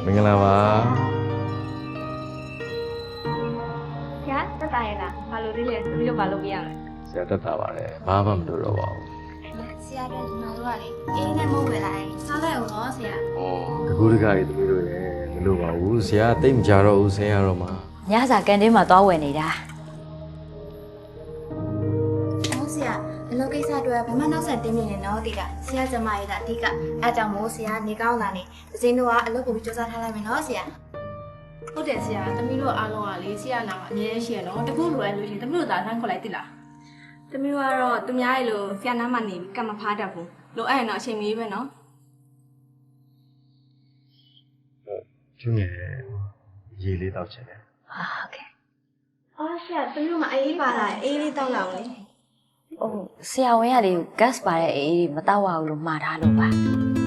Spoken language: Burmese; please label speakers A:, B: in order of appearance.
A: မင်္ဂလာပါ
B: ဆရာတက်တာရဲ့လားဘာလို့ဒီလဲသူတို့ဘာလုပ်ပြရမလဲ
A: ဆရာတက်တာပါတယ်ဘာမှမလုပ်တော့ပါဘူး
B: ဆရာတို့ဒီမှာတို့ကလေအေးနဲ့မဟုတ်ပဲလားစားလိုက်အောင်တော့ဆရာ
A: ဩတကူတကကြီးသမီးတို့ရဲ့မလုပ်ပါဘူးဆရာတိတ်မကြတော့ဘူးဆင်းရတော့မှာ
C: ညစာကန်တင်းမှာသွားဝယ်နေတာ
B: ဟုတ်ဆရာဒီလိုကိစ္စတွေဘယ်မှနောက်ဆက်တင်းနေနေတော့တိကဆရာကျမရဲ့ကအဓိကအဲကြောင့်မို့ဆရာနေကောင်းလာနေဒဇင်းတို့ကအလုပ်ကိုစူးစမ်းထားလိုက်မယ်နော်ဆရာ
D: ဟုတ်တယ်ဆရာသမီးတို့အားလုံးကလေဆရာနာမှာအမြဲတမ်းရှိရနော်တကူလိုအပ်လို့ရှိရင်သမီးတို့သာဆန်းခေါ်လိုက်တိလား
B: သမီးကတော့သူများရဲ့လိုဆရာနားမှာနေပြီးကမ္မဖားတတ်ဘူးလိုအပ်ရင်တော့အချိန်မီပဲနော်
A: ကျွငယ်ရေလေးတောက်ချင်တယ်
C: ဟာဟုတ်ကဲ့
B: အော်ဆရာသမီးတို့မအေးပါလားအေးလေးတောက်လောက်လေ
C: ဟိုဆရာဝန်ကလေ gas ပါတဲ့အေးမတောက်ရဘူးလို့မှားထားလို့ပါ